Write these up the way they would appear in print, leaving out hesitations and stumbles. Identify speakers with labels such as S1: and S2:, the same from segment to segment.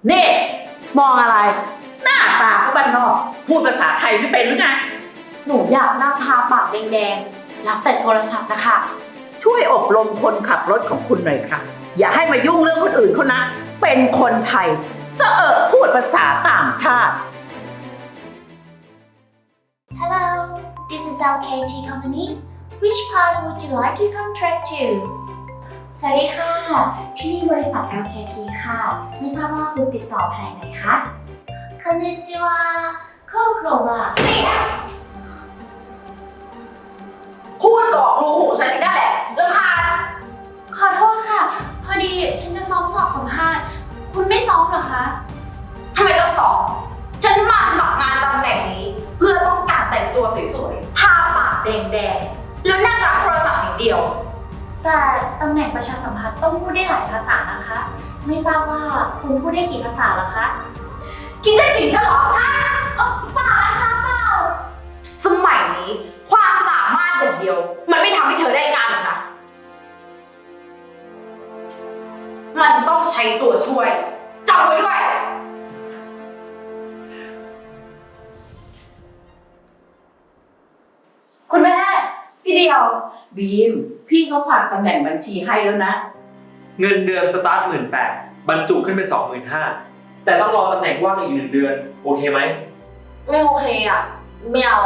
S1: นี่มองอะไรหน้าตาก็บ้านนอกพูดภาษาไทยไม่เป็นหรือไง
S2: หนูอยากนั่งทาปากแดงๆรับแต่โทรศัพท์นะคะ
S1: ช่วยอบรมคนขับรถของคุณหน่อยค่ะอย่าให้มายุ่งเรื่องคนอื่นเขานะเป็นคนไทยเสอะพูดภาษาต่างชาติ
S3: Hello, this is LKT Company. Which part would you like to contract to? สวัสดีค่ะ ที่นี่บริษัท LKT ค่ะ ไม่ทราบว่าคุณติดต่อแผนไหนคะこんにちはココは
S2: พูดกรอกรูหูฉันอีกได้แหละรำคาญ
S3: ขอโทษค่ะ พอดีฉันจะซ้อมสอบสัมภาษณ์ คุณไม่ซ้อมเหรอคะ
S2: ทำไมต้องสอบฉันมาสมัครงานตำแหน่งนี้ เพื่อต้องการแต่งตัวสวยๆทาปากแดงๆแล้วนั่งรับโทรศัพท์อย่างเดียว
S3: แต่ตำแหน่งประชาสัมพันธ์ต้องพูดได้หลายภาษานะคะ ไม่ทราบว่าคุณพูดได้กี่ภาษาเหรอคะ
S2: กินจะกินจะหรอฮะ
S3: เปล่านะคะเปล่า
S2: สมัยนี้ความสามารถอย่างเดียว มันไม่ทำให้เธอได้งานหรอกนะ มันต้องใช้ตัวช่วยจำไว้ด้วย คุณแม่พี่เดียว
S1: บีมพี่เขาฝากตำแหน่งบัญชีให้แล้วนะ
S4: เงินเดือนสตาร์ท18,000บรรจุขึ้นเป็น25,000แต่ต้องรอตำแหน่งว่างอีก1 เดือนโอเคไหม
S2: ไม่โอเคอ่ะไม่เอา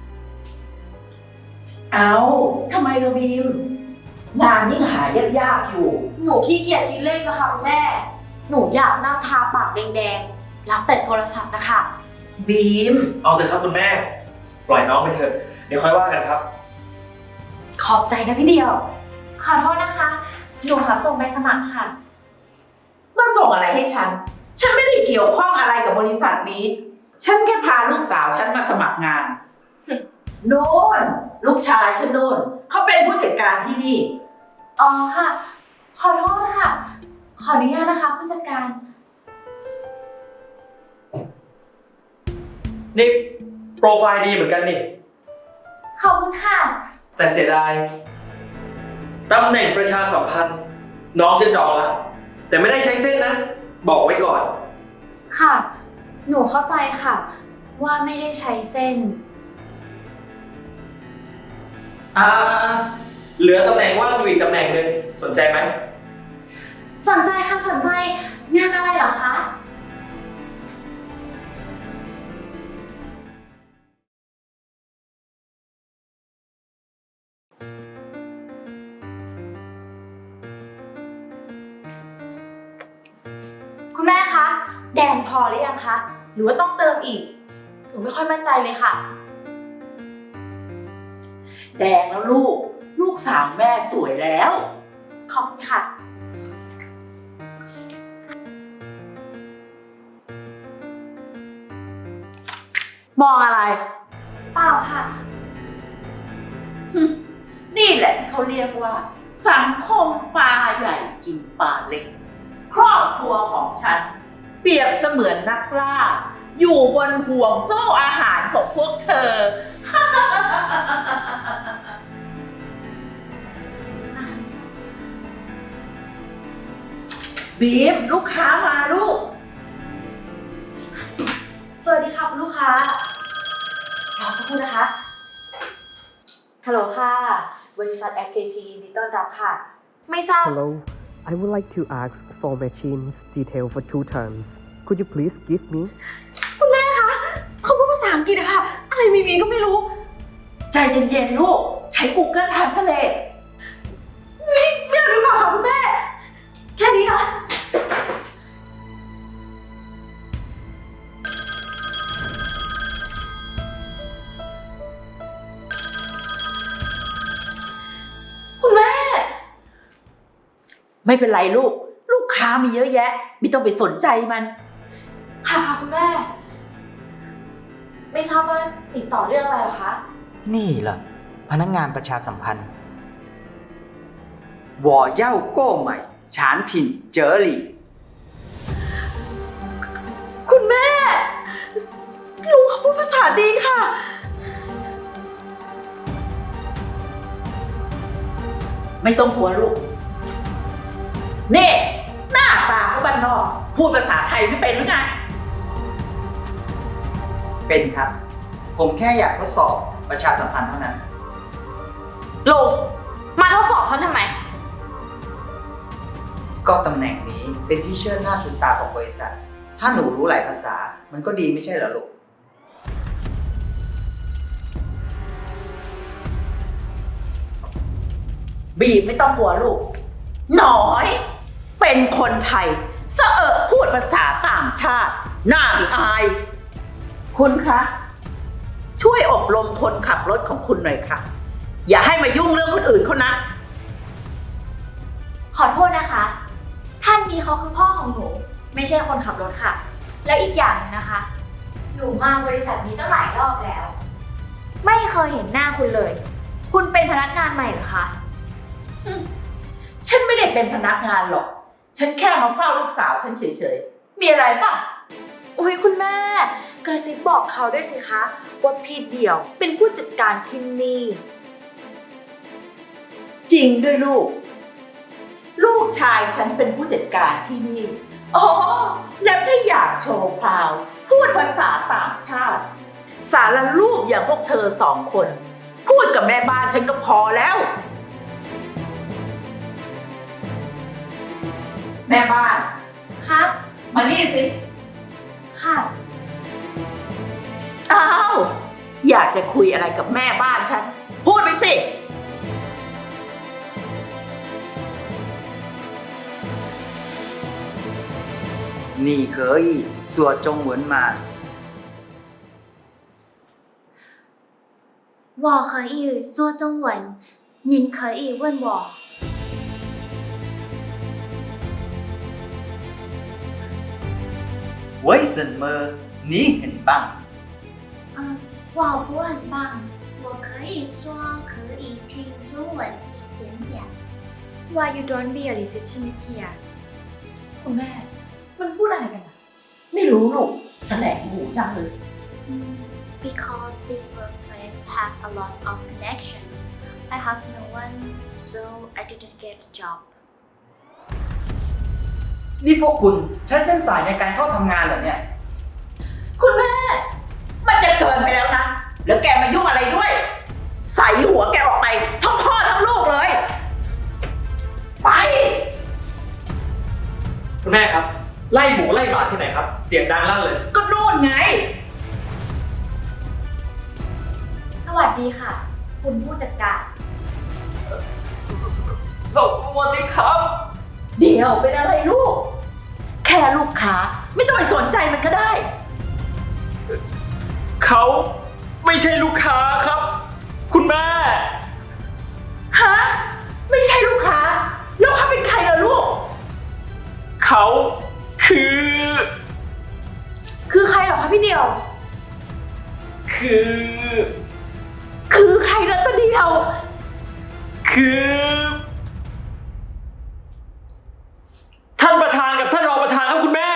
S1: เอาทำไมเราบีมงานยิ่งหายากๆอยู่
S2: หนูขี้เกียจคิดเลขนะคะคุณแม่ หนูอยากนั่งทาปากแดงๆรับแต่โทรศัพท์นะคะ
S1: บีม
S4: เอาเถอะครับคุณแม่ปล่อยน้องไปเถอะเดี๋ยวค่อยว่ากันครับ
S2: ขอบใจนะพี่เดียว
S3: ขอโทษนะคะ หนูขอส่งใบสมัครค่ะ
S1: มาส่งอะไรให้ฉันไม่ได้เกี่ยวข้องอะไรกับบริษัทนี้ฉันแค่พาลูกสาวฉันมาสมัครงาน โน่นลูกชายฉันโน่นเขาเป็นผู้จัดการที่นี่
S3: อ๋อค่ะ ขอโทษค่ะ ขออนุญาตนะคะผู้จัดการ
S4: นี่โปรไฟล์ดีเหมือนกันนี่
S3: ขอบคุณค่ะ
S4: แต่เสียดายตำแหน่งประชาสัมพันธ์น้องฉันจองแล้วแต่ไม่ได้ใช้เส้นนะ บอกไว้ก่อน
S3: ค่ะ หนูเข้าใจค่ะ ว่าไม่ได้ใช้เส้น
S4: เหลือตำแหน่งว่างอยู่อีกตำแหน่งหนึ่งสนใจไหม
S3: สนใจค่ะสนใจ งานอะไรเหรอคะ
S2: คุณแม่คะ แดงพอหรือยังคะ หรือว่าต้องเติมอีก หนูไม่ค่อยมั่นใจเลยค่ะ
S1: แดงแล้วลูกสาวแม่สวยแล้ว
S2: ขอบคุณค่ะ
S1: มองอะไร
S3: เปล่าค่ะ
S1: นี่แหละที่เขาเรียกว่า สังคมปลาใหญ่กินปลาเล็ก ครอบครัวของฉัน เปรียบเสมือนนักล่า อยู่บนห่วงโซ่อาหารของพวกเธอ บีมลูกค้ามาลูก
S2: สวัสดีค่ะคุณลูกค้ารอสักครู่นะคะ ฮัลโหลค่ะ บริษัท FKT ยินดีต้อนรับค่ะ ไม่ทราบ
S5: Hello, I would like to ask for machines detail for 2 terms. Could you please give me?
S2: คุณแม่คะเขาพูดภาษาอังกฤษอะค่ะ อะไรมีก็ไม่รู้
S1: ใจเย็นๆลูก ใช้ Google Translate
S2: ไม่เอาดีกว่าค่ะคุณแม่ แค่นี้นะ คุณแม่
S1: ไม่เป็นไรลูกค้ามีเยอะแยะ ไม่ต้องไปสนใจมัน
S2: ค่ะคุณแม่ ไม่ทราบว่าติดต่อเรื่องอะไรเหรอคะ
S6: นี่เหรอพนักงานประชาสัมพันธ์我要购买产品这里
S2: คุณแม่ ลุงเขาพูดภาษาจีนค่ะ
S1: ไม่ต้องกลัวลูก นี่หน้าตาก็บ้านนอกพูดภาษาไทยไม่เป็นหรือไง
S6: เป็นครับ ผมแค่อยากทดสอบประชาสัมพันธ์เท่านั้น
S2: ลุงมาทดสอบฉันทำไม
S6: ก็ตำแหน่งนี้เป็นที่เชิดหน้าชูตาของบริษัท ถ้าหนูรู้หลายภาษา มันก็ดีไม่ใช่เหรอลูก
S1: บีมไม่ต้องกลัวลูก หน่อย เป็นคนไทยเสอะพูดภาษาต่างชาติ หน้าไม่อาย คุณคะ ช่วยอบรมคนขับรถของคุณหน่อยค่ะ อย่าให้มายุ่งเรื่องคนอื่นเขานะ
S2: ขอโทษนะคะ ท่านนี้เขาคือพ่อของหนู ไม่ใช่คนขับรถค่ะ แล้วอีกอย่างหนึงนะคะ หนูมาบริษัทนี้ตั้งหลายรอบแล้ว ไม่เคยเห็นหน้าคุณเลย คุณเป็นพนักงานใหม่เหรอคะ
S1: ฉันไม่ได้เป็นพนักงานหรอก ฉันแค่มาเฝ้าลูกสาวฉันเฉยๆ มีอะไรป่ะ
S2: อุ้ยคุณแม่ กระซิบบอกเขาด้วยสิคะว่าพี่เดี่ยวเป็นผู้จัดการที่นี่
S1: จริงด้วยลูก ลูกชายฉันเป็นผู้จัดการที่นี่ อ๋อ แล้วถ้าอยากโชว์พราว พูดภาษาต่างชาติ สารลูกอย่างพวกเธอสองคน พูดกับแม่บ้านฉันก็พอแล้ว แม่บ้าน
S2: คะ
S1: มานี่สิ
S2: ค่ะ
S1: อ้าว อยากจะคุยอะไรกับแม่บ้านฉัน พูดไปสิ
S6: 你可以说中文吗？
S3: 我可以说中文，您可以问我。
S6: 为什么你很棒？
S3: 我不很棒，我可以说可以听中文一点点。
S2: Why you don't be a receptionist here คุณแม่ มันพูดอะไรกันอะ
S1: ไม่รู้ลูกแสลงหูจังเลย
S3: Because this workplace has a lot of connections, I have no one, so I didn't get a job.
S6: นี่พวกคุณใช้เส้นสายในการเข้าทำงานเหรอเนี่ย
S1: คุณแม่ มันจะเกินไปแล้วนะ แล้วแกมายุ่งอะไรด้วย ใส่หัวแกออกไปทั้งพ่อทั้งลูกเลย ไป
S4: คุณแม่ครับ ไล่หมูไล่หมาที่ไหนครับ เสียงดังลั่นเลย
S1: ก็นู่นไง
S2: สวัสดีค่ะ คุณผู้จัดการ
S4: สวัสดีครับ
S1: เดี๋ยวเป็นอะไรลูก แค่ลูกค้าไม่ต้องไปสนใจมันก็ได้
S4: เขาไม่ใช่ลูกค้าครับ คุณแม่
S1: ฮะ ไม่ใช่ลูกค้า แล้วเขาเป็นใครล่ะลูก
S4: เขาคือ
S2: คือใครเหรอคะพี่เดี่ยว
S4: คือ
S1: คือใครล่ะตัวเดียว
S4: คือท่านประธานกับท่านรองประธานครับคุณแม่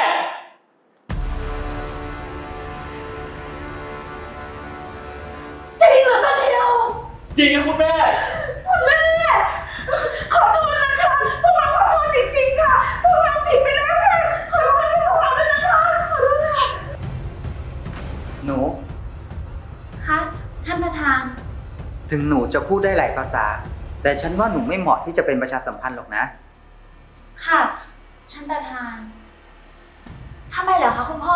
S1: จริงเหรอตัวเดียว
S4: จริงครับคุณแม่
S1: คุณแม่ ขอโทษนะคะ พวกเราขอโทษจริงๆค่ะ พวกเราผิดไปแล้วค่ะ ขอโทษให้พวกเราด้วยนะคะ ขอโทษค่ะ
S6: หนู
S2: คะท่านประธาน
S6: ถึงหนูจะพูดได้หลายภาษา แต่ฉันว่าหนูไม่เหมาะที่จะเป็นประชาสัมพันธ์หรอกนะ
S2: ค่ะ ท่านประธาน ทำไมเหรอคะคุณพ่อ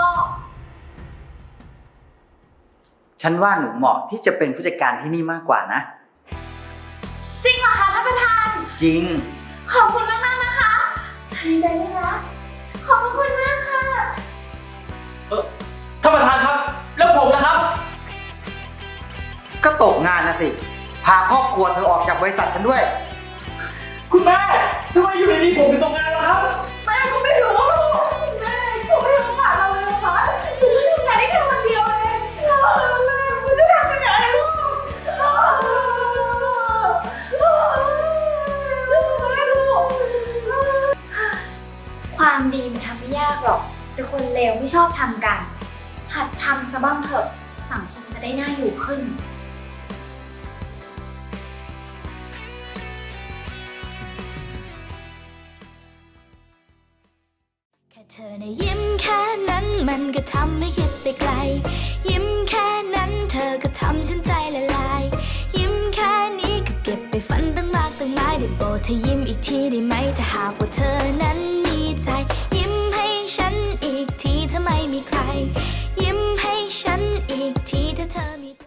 S6: ฉันว่าหนูเหมาะที่จะเป็นผู้จัดการที่นี่มากกว่านะ
S2: จริงเหรอคะท่านประธาน
S6: จริง
S2: ขอบคุณมากๆนะคะดีใจด้วยนะ ขอบคุณมากค่ะ
S4: ท่านประธานครับ แล้วผมนะครับ
S6: ก็ตกงานนะสิ พาครอบครัวเธอออกจากบริษัทฉันด้วย
S4: คุณแม่ทำไมอยู่ในนี้ผมถึงตกงานล่ะครับ
S1: แม่ก็ไม่รู้แม่เขาไม่รู้ผ่านเราเลยเหรอคะหนูทำงานได้แค่วันเดียวเองแม่หนูจะทำยังไงลูกแม่ลูก
S2: ความดีมันทำไม่ยากหรอก แต่คนเลวไม่ชอบทำกัน หัดทำซะบ้างเถอะ สังคมจะได้น่าอยู่ขึ้น
S3: แค่เธอ
S7: นะยิ้มแค่นั้นมันก็ทำให้คิดไปไกล ยิ้มแค่นั้นเธอก็ทำฉันใจละลาย ยิ้มแค่นี้ก็เก็บไปฝันตั้งมากตั้งหลายได้โปรดเธอยิ้มอีกทีได้ไหมถ้าหากว่าเธอนั้นมีใจ ยิ้มให้ฉันอีกทีถ้าไม่มีใคร ยิ้มให้ฉันอีกทีถ้าเธอมีใจ